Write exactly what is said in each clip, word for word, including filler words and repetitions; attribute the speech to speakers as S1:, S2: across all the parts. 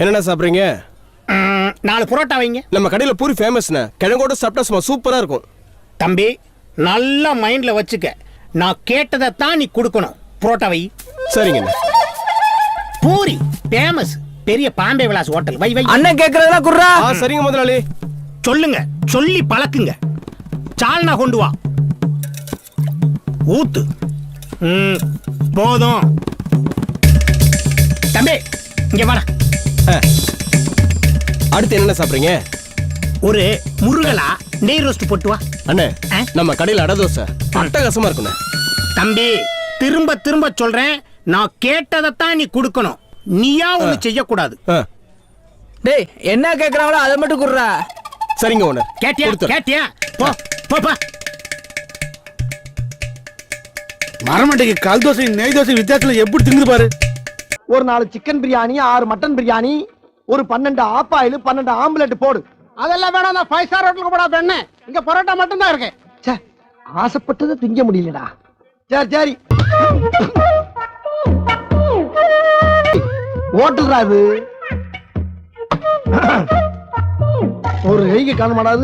S1: என்னென்ன சாப்பிட்றீங்க?
S2: நாலு புரோட்டா வைங்க.
S1: நம்ம கடையில் பூரி ஃபேமஸ்ண்ணே. கிழங்கோட சாப்பிட்டா சும்மா சூப்பராக இருக்கும்.
S2: தம்பி நல்லா மைண்டில் வச்சுக்க, நான் கேட்டதை தான் நீ கொடுக்கணும். புரோட்டா வை.
S1: சரிங்கண்ணே.
S2: பூரி ஃபேமஸ், பெரிய பாம்பே விலாஸ் ஹோட்டல். வை வை.
S3: அண்ணன் கேட்கறதெல்லாம் குர்ரா.
S1: ஆ சரிங்க முதலாளி.
S2: சொல்லுங்க, சொல்லி பழக்குங்க. சால்னா கொண்டு வா. ஊத்து. ம் போதும். தம்பி இங்க வாடா.
S1: அடுத்து என்னென்ன சாப்பிட்றீங்க?
S2: ஒரு முருகலா நெய் ரோஸ்ட் போட்டு வா.
S1: அண்ணே
S2: ஆ?
S1: நம்ம கடையில் அடை தோசை அட்டகாசமா இருக்குண்ணே.
S2: தம்பி திரும்ப திரும்ப சொல்றேன், நான் கேட்டதைத்தான் நீ கொடுக்கணும். நீயா ஒண்ணு செய்யக்கூடாது.
S1: ஆ
S3: டேய் என்ன கேக்குறாங்களோ அதை மட்டும் குர்ரா.
S1: சரிங்க ஓனர்.
S2: கேட்டியா
S1: கொடுத்துறேன்.
S2: கேட்டியா? போ போ போ.
S4: மரமண்டைக்கு கல் தோசை நெய் தோசை வித்தியாசத்துல எப்படி திங்குது பாரு.
S5: ஒரு நாலு சிக்கன் பிரியாணி, ஆறு மட்டன் பிரியாணி, ஒரு பன்னெண்டு ஆப்பாயில், பன்னெண்டு ஆம்லெட் போடு.
S6: அதெல்லாம் வேணாம், நான் ஃபைவ் ஸ்டார் ஹோட்டலுக்கு போடா பெண்ணு. இங்க பரோட்டா மட்டும் தான் இருக்கு.
S5: ச்சே, ஆசைப்பட்டதை திங்க முடியலடா. சரி சரி, ஹோட்டல்ரா இது. ஒரு கைக்கு காண மாட்டாது.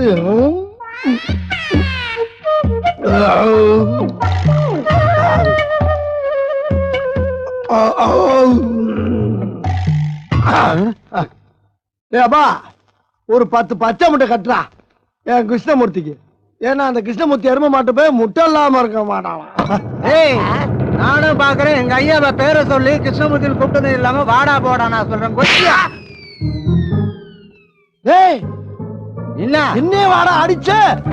S5: அப்பா ஒரு பத்து பச்சை முட்டை கட்டுறா என் கிருஷ்ணமூர்த்திக்கு. ஏன்னா அந்த கிருஷ்ணமூர்த்தி எரும மாட்டு போய் முட்டை இல்லாம இருக்க மாட்டான்.
S6: ஏய் நானும் பாக்குறேன், எங்க ஐயாவை பேரை சொல்லி கிருஷ்ணமூர்த்தி கூப்பிட்டது இல்லாம வாடா போடா நான் சொல்றேன். கொச்சியா
S5: ஏய்
S6: என்ன
S5: என்ன வாடா அடிச்ச?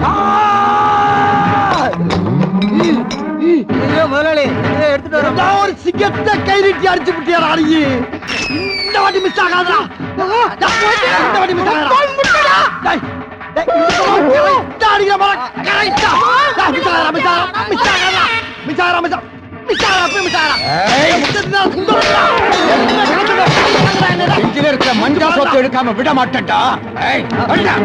S6: முதலாளி இதை எடுத்துட்டு வர
S5: நான் ஒரு சிங்கத்தை கை நீட்டி அடிச்சு விட்டியாடா அடி. இந்த வாட்டி மிஸ் ஆகாதா? இந்த வாட்டி மிஸ் ஆகாதா? டேய் டேய் இந்த அடிக்கிற மர கரெக்ட்டா. மிஸ் ஆகாதா மிஸ் ஆகாதா மிஸ் ஆகாதா மிஸ் ஆகாதா மிஸ் ஆகாதா மிஸ் ஆகாதா மிஸ் ஆகாதா. ஏய் முட்டை சுந்தரடா.
S6: இங்க இருக்க மஞ்சா சொத்து எடுக்காம விட மாட்டேன்டா. ஏய் அடிடா.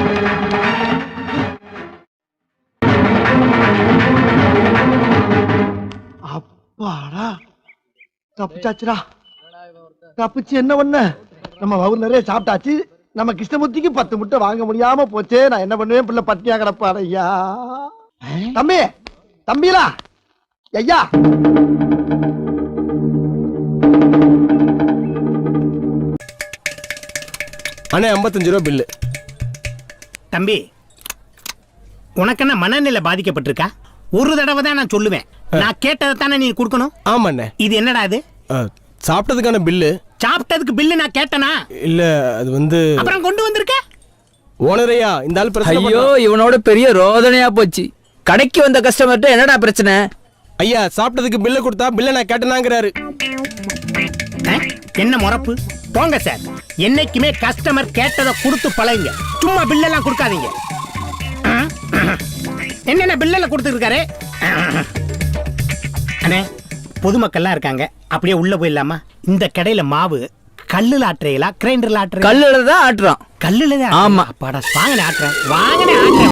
S5: அப்பாடா தப்பிச்சாச்சுடா. தப்பிச்சு என்ன பண்ண? நம்ம வவுர் நிறைய சாப்பிட்டாச்சு. நம்ம கிருஷ்ணமூர்த்திக்கு பத்து முட்டை வாங்க முடியாம போச்சே. நான் என்ன பண்ணுவேன்? பிள்ளை பட்டினியா கிடப்பாரு. ஐயா தம்பி, தம்பிலா ஐயா.
S1: அண்ணே ஐம்பத்தஞ்சு ரூபா பில்லு.
S2: தம்பி உனக்கு என்ன மனநிலை பாதிக்கப்பட்டிருக்கா? ஒரு தடவை தான் நான் சொல்லுவேன், நான் கேட்டதை தானே நீ கொடுக்கணும்.
S1: ஆமாண்ணே.
S2: இது என்னடா இது?
S1: ஆ, சாப்பிட்டதுக்கான பில்லு.
S2: சாப்பிட்டதுக்கு பில்லு நான் கேட்டனா?
S1: இல்ல அது வந்து
S2: அப்புறம் கொண்டு வந்திருக்க.
S1: ஓனரையா இந்த ஆள் பிரச்சனை
S3: ஐயோ
S1: பண்றான்.
S3: இவனோட பெரிய ரோதனையா போச்சு. கடைக்கு வந்த கஸ்டமர்ட்ட என்னடா பிரச்சனை?
S1: ஐயா சாப்பிட்டதுக்கு பில்ல கொடுத்தா பில்ல நான் கேட்டனாங்கிறாரு.
S2: அஹ், என்ன முறப்பு? போங்க சார், என்னைக்குமே கஸ்டமர் கேட்டதை கொடுத்து பழகுங்க. சும்மா பில்லெல்லாம் கொடுக்காதீங்க. அஹ், அஹ். என்னென்ன பில்லெல்லாம் கொடுத்துருக்காரு? அண்ணே பொதுமக்கள்லாம் இருக்காங்க, அப்படியே உள்ள போயிடலாமா? இந்த கடையில மாவு கல்லுல ஆட்டுறீங்களா கிரைண்டர்ல ஆட்டுறீங்களா?
S3: கல்லுல தான் ஆட்டுறான்.
S2: கல்லுல தான்.
S3: ஆமா.
S2: அப்பாடா வாங்கனே ஆட்டுறேன் வாங்கனே ஆட்டுறேன்.